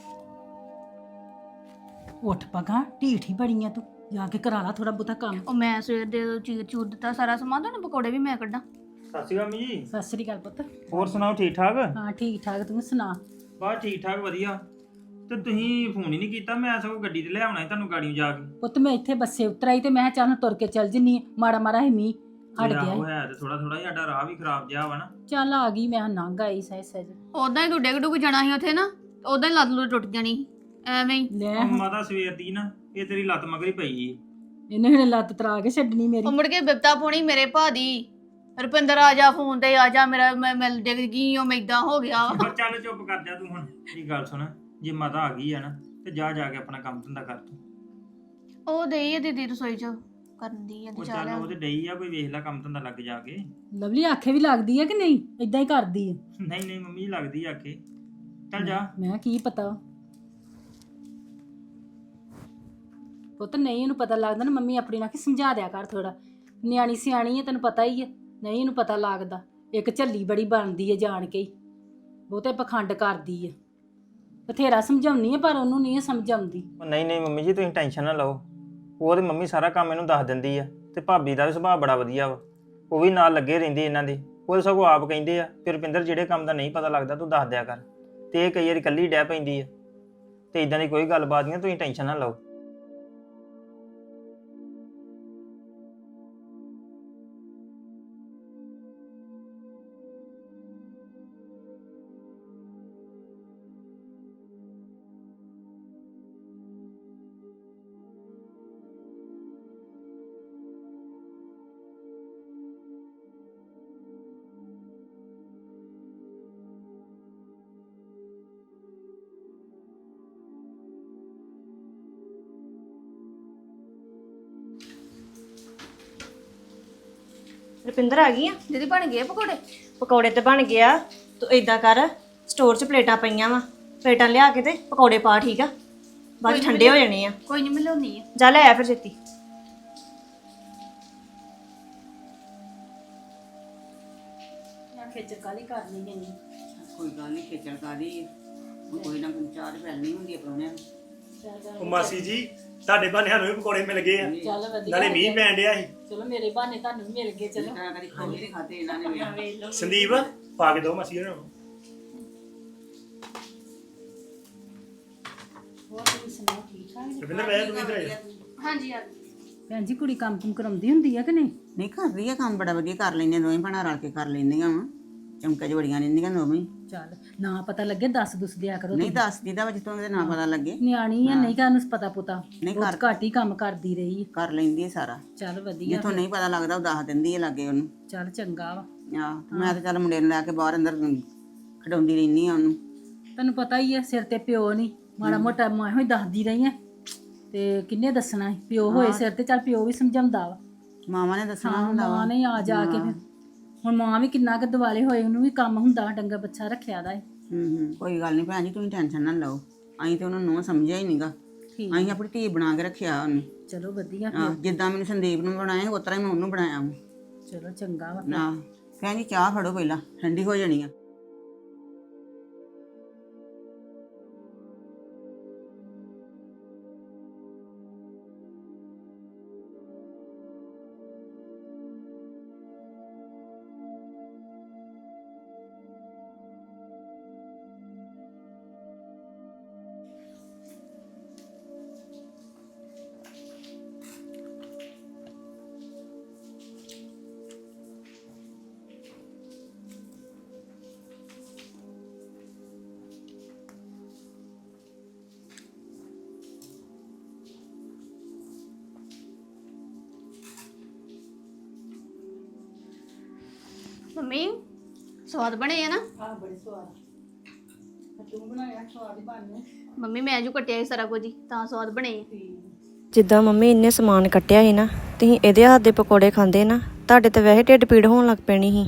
[SPEAKER 6] ਉੱਠ ਪਗਾ, ਢੀਠ ਹੀ ਬੜੀ ਆ ਤੂੰ, ਜਾ ਕੇ ਕਰਾ ਲਾ ਥੋੜਾ ਬਹੁਤਾ ਕੰਮ।
[SPEAKER 1] ਉਹ ਮੈਂ ਸਵੇਰ ਦੇ ਚੀਰ ਚੂਰ ਦਿੱਤਾ ਸਾਰਾ ਸਮਾਨ, ਤੁਹਾਨੂੰ ਪਕੌੜੇ ਵੀ ਮੈਂ ਕੱਢਾਂ।
[SPEAKER 2] ਸਤਿ ਸ਼੍ਰੀ ਅਕਾਲ ਮੰਮੀ ਜੀ।
[SPEAKER 6] ਸਤਿ ਸ੍ਰੀ ਅਕਾਲ ਪੁੱਤ।
[SPEAKER 2] ਹੋਰ ਸੁਣਾਓ, ਠੀਕ ਠਾਕ?
[SPEAKER 6] ਹਾਂ ਠੀਕ ਠਾਕ, ਤੂੰ ਸੁਣਾ?
[SPEAKER 2] ਬਸ ਠੀਕ ਠਾਕ ਵਧੀਆ। ਤੇ ਤੁਸੀਂ ਫੋਨ ਹੀ ਨਹੀਂ ਕੀਤਾ, ਮੈਂ ਸਗੋਂ ਗੱਡੀ ਤੇ ਲੈ ਆਉਣਾ ਸੀ ਤੁਹਾਨੂੰ ਗਾੜੀਆਂ ਜਾ ਕੇ।
[SPEAKER 6] ਪੁੱਤ ਮੈਂ ਇੱਥੇ ਬੱਸੇ ਉਤਰਾਈ ਤੇ ਮੈਂ ਕਿਹਾ ਚੱਲ ਹੁਣ ਤੁਰ ਕੇ ਚੱਲ ਜੰਨੀ ਮਾੜਾ ਮਾੜਾ ਹੀ ਮੀਂਹ ਹਟ ਗਿਆ
[SPEAKER 2] ਆਹੋ
[SPEAKER 6] ਈ।
[SPEAKER 2] ਹੈ ਤੇ ਥੋੜਾ ਥੋੜਾ ਸਾਡਾ ਰਾਹ ਵੀ ਖਰਾਬ ਜਿਹਾ ਵਾ ਨਾ।
[SPEAKER 6] ਚੱਲ ਆ ਗਈ ਮੈਂ ਨੰਗ ਆਈ ਸਹਿ ਸਹਿਜ।
[SPEAKER 1] ਉਦਾਂ ਹੀ ਤੂੰ ਡਿੱਗ ਡੁੱਗ ਜਾਣਾ ਸੀ ਉੱਥੇ ਨਾ, ਉਦਾਂ ਹੀ ਲੱਤ ਲੁੱਟ ਟੁੱਟ ਜਾਣੀ ਸੀ, ਐਵੇਂ ਹੀ।
[SPEAKER 6] ਲੈ
[SPEAKER 2] ਉਹ ਮਾਤਾ ਸਵੇਰ ਦੀ ਨਾ ਇਹ ਤੇਰੀ ਲੱਤ ਮਗਰੀ ਪਈ ਈ।
[SPEAKER 6] ਇਹਨੇ ਹੁਣ ਲੱਤ ਤਰਾ ਕੇ ਛੱਡਣੀ ਮੇਰੀ।
[SPEAKER 1] ਉਹ ਮੁੜ ਕੇ ਬਿਪਤਾ ਪਾਉਣੀ ਮੇਰੇ ਭਾ ਦੀ, ਰੁਪਿੰਦਰ ਆ ਜਾ ਫੋਨ ਤੇ, ਆ ਜਾ, ਮੇਰਾ ਮੈਂ ਡਿੱਗ ਗਈ, ਉਹ ਮੈਂ ਏਦਾਂ ਹੋ ਗਿਆ ਵਾ।
[SPEAKER 2] ਚੱਲ ਚੁੱਪ ਕਰ ਜਾ ਤੂੰ ਹੁਣ। ਇਹ ਗੱਲ ਸੁਣ, ਜੇ ਮਾਤਾ ਆ ਗਈ ਆ ਨਾ ਤੇ ਜਾ ਜਾ ਕੇ ਆਪਣਾ ਕੰਮ ਧੰਦਾ ਕਰ ਤੂੰ।
[SPEAKER 1] ਉਹ ਦੇਈ ਆ ਦੀਦੀ ਰਸੋਈ ਚ ਕਰਨ ਦੀ ਆ ਤੇ
[SPEAKER 2] ਉਹ
[SPEAKER 1] ਚਾਹ
[SPEAKER 2] ਚੱਲ
[SPEAKER 1] ਲਿਆ।
[SPEAKER 2] ਉਹ ਤੇ ਡਈ ਆ, ਕੋਈ ਵੇਖ ਲੈ ਕੰਮ ਧੰਦਾ ਲੱਗ ਜਾ ਕੇ।
[SPEAKER 6] ਲਵਲੀ ਆਖੇ ਵੀ ਲੱਗਦੀ ਹੈ ਕਿ ਨਹੀਂ, ਇਦਾਂ ਹੀ ਕਰਦੀ ਹੈ?
[SPEAKER 2] ਨਹੀਂ ਨਹੀਂ ਮੰਮੀ ਲੱਗਦੀ ਆ ਕੇ। ਚੱਲ ਜਾ।
[SPEAKER 6] ਮੈਂ ਕੀ ਪਤਾ ਪੁੱਤ, ਨਹੀਂ ਇਹਨੂੰ ਪਤਾ ਲੱਗਦਾ ਨਾ ਮੰਮੀ ਆਪਣੀ ਨਾਲ, ਕਿ ਸਮਝਾ ਦਿਆ ਕਰ ਥੋੜਾ। ਨਿਆਣੀ ਸਿਆਣੀ ਹੈ ਤੈਨੂੰ ਪਤਾ ਹੀ ਹੈ, ਨਹੀਂ ਇਹਨੂੰ ਪਤਾ ਲੱਗਦਾ। ਇੱਕ ਝੱਲੀ ਬੜੀ ਬਣਦੀ ਹੈ ਜਾਣ ਕੇ ਹੀ, ਬਹੁਤੇ ਪਖੰਡ ਕਰਦੀ ਹੈ। ਬਥੇਰਾ ਸਮਝਾਉਣੀ ਹੈ ਪਰ ਉਹਨੂੰ ਨਹੀਂ ਸਮਝ ਆਉਂਦੀ।
[SPEAKER 2] ਉਹ ਨਹੀਂ ਨਹੀਂ ਮੰਮੀ ਜੀ, ਤੁਸੀਂ ਟੈਨਸ਼ਨ ਨਾ ਲਓ। ਉਹ ਤੇ ਮੰਮੀ ਸਾਰਾ ਕੰਮ ਇਹਨੂੰ ਦੱਸ ਦਿੰਦੀ ਆ। ਤੇ ਭਾਬੀ ਦਾ ਵੀ ਸੁਭਾਅ ਬੜਾ ਵਧੀਆ ਵਾ, ਉਹ ਵੀ ਨਾਲ ਲੱਗੇ ਰਹਿੰਦੇ ਇਹਨਾਂ ਦੇ। ਉਹ ਸਗੋਂ ਆਪ ਕਹਿੰਦੇ ਆ ਕਿ ਰੁਪਿੰਦਰ ਜਿਹੜੇ ਕੰਮ ਦਾ ਨਹੀਂ ਪਤਾ ਲੱਗਦਾ ਤੂੰ ਦੱਸ ਦਿਆ ਕਰ। ਤੇ ਇਹ ਕਈ ਵਾਰੀ ਇਕੱਲੀ ਡਹਿ ਪੈਂਦੀ ਆ। ਤੇ ਇਦਾਂ ਦੀ ਕੋਈ ਗੱਲਬਾਤ ਨਹੀਂ, ਤੁਸੀਂ ਟੈਨਸ਼ਨ ਨਾ ਲਓ।
[SPEAKER 3] ਰੁਪਿੰਦਰ ਆ ਗਈ ਆ?
[SPEAKER 1] ਦੀਦੀ ਬਣ ਗਏ ਪਕੌੜੇ?
[SPEAKER 3] ਪਕੌੜੇ ਤੇ ਬਣ ਗਿਆ। ਤੂੰ ਏਦਾਂ ਕਰ, ਸਟੋਰ 'ਚ ਪਲੇਟਾਂ ਪਈਆਂ ਵਾ, ਪਲੇਟਾਂ ਲਿਆ ਕੇ ਤੇ ਪਕੌੜੇ ਪਾ, ਠੀਕ ਆ? ਬਾਅਦ 'ਚ ਠੰਡੇ ਹੋ ਜਾਣੇ ਆ।
[SPEAKER 1] ਕੋਈ ਨਹੀਂ, ਮੈਂ ਲਿਆਉਣੀ ਆ।
[SPEAKER 3] ਜਾ ਲੈ ਆ ਫਿਰ ਛੇਤੀ।
[SPEAKER 6] ਖੇਚਲ ਕਾਲੀ ਕਰਨੀ ਨਹੀਂ।
[SPEAKER 4] ਕੋਈ ਗੱਲ ਨਹੀਂ, ਖੇਚਲ ਕਾਦੀ ਕੋਈ ਨਾ, ਚਾਰ ਫੈਲਣੀ ਹੁੰਦੀ ਹੈ ਪ੍ਰਾਹੁਣਿਆਂ ਨੂੰ।
[SPEAKER 5] ਉਹ ਮਾਸੀ ਜੀ, ਤੁਹਾਡੇ ਬਹਾਨੇ ਸਾਨੂੰ ਵੀ ਪਕੌੜੇ ਮਿਲ ਗਏ ਆ।
[SPEAKER 6] ਚੱਲ ਵਧੀਆ,
[SPEAKER 5] ਨਾਲੇ ਮੀਂਹ ਪੈਣ ਡਿਆ ਸੀ।
[SPEAKER 6] ਚਲੋ ਮੇਰੇ ਬਹਾਨੇ ਤੁਹਾਨੂੰ ਵੀ ਮਿਲ ਗਏ। ਚਲੋ
[SPEAKER 4] ਤਾਂ ਕਦੀ ਖਾਣੇ ਨਹੀਂ ਖਾਦੇ ਇਹਨਾਂ ਨੇ।
[SPEAKER 5] ਸੰਦੀਪ ਪਾ ਕੇ ਦੋ ਮਾਸੀ ਹੋਣਾ ਨੂੰ।
[SPEAKER 6] ਹੋਰ ਤੁਸੀਂ ਸੁਣਾਓ, ਠੀਕ ਠਾਕ?
[SPEAKER 5] ਰੁਪਿੰਦਰ ਬਹਿ ਤੂੰ ਇੱਧਰ ਆ ਜਾ।
[SPEAKER 1] ਹਾਂਜੀ ਆ।
[SPEAKER 6] ਭੈਣ ਜੀ ਕੁੜੀ ਕੰਮ ਕੁਮ ਕਰਾਉਂਦੀ ਹੁੰਦੀ ਆ ਕਿ ਨਹੀਂ?
[SPEAKER 4] ਨਹੀਂ, ਕਰਦੀ ਆ ਕੰਮ, ਬੜਾ ਵਧੀਆ ਕਰ ਲੈਂਦੀਆਂ ਦੋਵੇਂ ਭੈਣਾਂ, ਰਲ ਕੇ ਕਰ ਲੈਂਦੀਆਂ ਵਾ। ਚਮਕਾ ਜਵੜੀਆਂ ਰਹਿੰਦੀਆਂ ਦੋਵੇਂ।
[SPEAKER 6] ਚੱਲ ਨਾ ਪਤਾ ਲੱਗੇ ਦੱਸ ਦੁੱਸ ਦਿਆ ਕਰੋ।
[SPEAKER 4] ਨਹੀਂ ਦੱਸਦੀ ਦਾ ਜਿੱਥੋਂ ਇਹਦੇ ਨਾ ਪਤਾ ਲੱਗੇ।
[SPEAKER 6] ਨਿਆਣੀ ਆ, ਨਹੀਂ ਕਾਹਨੂੰ ਪਤਾ ਪੁਤਾ,
[SPEAKER 4] ਨਹੀਂ
[SPEAKER 6] ਬਹੁਤ ਘੱਟ ਹੀ ਕੰਮ ਕਰਦੀ ਰਹੀ।
[SPEAKER 4] ਕਰ ਲੈਂਦੀ ਹੈ ਸਾਰਾ।
[SPEAKER 6] ਚੱਲ ਵਧੀਆ,
[SPEAKER 4] ਜਿੱਥੋਂ ਨਹੀਂ ਪਤਾ ਲੱਗਦਾ ਉਹ ਦੱਸ ਦਿੰਦੀ ਹੈ ਲਾਗੇ ਉਹਨੂੰ।
[SPEAKER 6] ਚੱਲ ਚੰਗਾ ਵਾ।
[SPEAKER 4] ਆਹ ਮੈਂ ਤਾਂ ਚੱਲ ਮੁੰਡੇ ਨੂੰ ਲੈ ਕੇ ਬਾਹਰ ਅੰਦਰ ਖਡਾਉਂਦੀ ਰਹਿੰਦੀ ਆ ਉਹਨੂੰ।
[SPEAKER 6] ਤੈਨੂੰ ਪਤਾ ਹੀ ਹੈ ਸਿਰ ਤੇ ਪਿਓ ਨਹੀਂ, ਮਾੜਾ ਮੋਟਾ ਮੈਂ ਹੀ ਦੱਸਦੀ ਰਹੀ ਆ, ਤੇ ਕਿੰਨੇ ਦੱਸਣਾ ਸੀ? ਪਿਓ ਹੋਏ ਸਿਰ ਤੇ, ਚੱਲ ਪਿਓ ਵੀ ਸਮਝਾਉਂਦਾ ਵਾ।
[SPEAKER 4] ਮਾਵਾਂ ਨੇ ਦੱਸਣਾ
[SPEAKER 6] ਹਾਂ
[SPEAKER 4] ਹੁੰਦਾ ਵਾ।
[SPEAKER 6] ਮਾਂ ਨੇ ਆ ਜਾ ਕੇ ਫਿਰ, ਹੁਣ ਮਾਂ ਵੀ ਕਿੰਨਾ ਕੁ ਦਿਵਾਲੇ ਹੋਏ, ਉਹਨੂੰ ਵੀ ਕੰਮ ਹੁੰਦਾ, ਡੰਗਰ ਬੱਚਾ ਰੱਖਿਆ ਦਾ ਏ।
[SPEAKER 4] ਕੋਈ ਗੱਲ ਨਹੀਂ ਭੈਣ ਜੀ, ਤੁਸੀਂ ਟੈਨਸ਼ਨ ਨਾ ਲਓ। ਅਸੀਂ ਤੇ ਉਹਨੂੰ ਨੂੰ ਸਮਝਿਆ ਹੀ ਨਹੀਂਗਾ।
[SPEAKER 6] ਠੀਕ,
[SPEAKER 4] ਅਸੀਂ ਆਪਣੀ ਧੀ ਬਣਾ ਕੇ ਰੱਖਿਆ ਉਹਨੂੰ।
[SPEAKER 6] ਚਲੋ ਵਧੀਆ
[SPEAKER 4] ਆਹ,
[SPEAKER 6] ਫਿਰ,
[SPEAKER 4] ਜਿੱਦਾਂ ਮੈਨੂੰ ਸੰਦੀਪ ਨੂੰ ਬਣਾਇਆ ਉਸ ਤਰ੍ਹਾਂ ਹੀ ਮੈਂ ਉਹਨੂੰ ਬਣਾਇਆ ਵਾ।
[SPEAKER 6] ਚਲੋ ਚੰਗਾ ਵਾ।
[SPEAKER 4] ਨਾ ਭੈਣ ਜੀ, ਚਾਹ ਫੜੋ ਪਹਿਲਾਂ, ਠੰਡੀ ਹੋ ਜਾਣੀ ਆ।
[SPEAKER 1] ਮੰਮੀ ਸਵਾਦ ਬਣੇ ਆ ਨਾ
[SPEAKER 6] ਆ ਬੜੇ ਸਵਾਦ ਤੂੰ ਬਣਾਇਆ ਸਵਾਦ ਹੀ ਬਣਨੇ
[SPEAKER 1] ਮੰਮੀ ਮੈਂ ਜੋ ਕੱਟਿਆ ਸੀ ਸਾਰਾ ਕੁਝ ਹੀ, ਤਾਂ ਸਵਾਦ ਬਣੇ ਆ।
[SPEAKER 3] ਜਿੱਦਾਂ ਮੰਮੀ ਇੰਨੇ ਸਮਾਨ ਕੱਟਿਆ ਸੀ ਨਾ, ਤੁਸੀਂ ਇਹਦੇ ਹੱਥ ਦੇ ਪਕੌੜੇ ਖਾਂਦੇ ਨਾ, ਤੁਹਾਡੇ ਤੇ ਵੈਸੇ ਢਿੱਡ ਪੀੜ ਹੋਣ ਲੱਗ ਪੈਣੀ ਸੀ।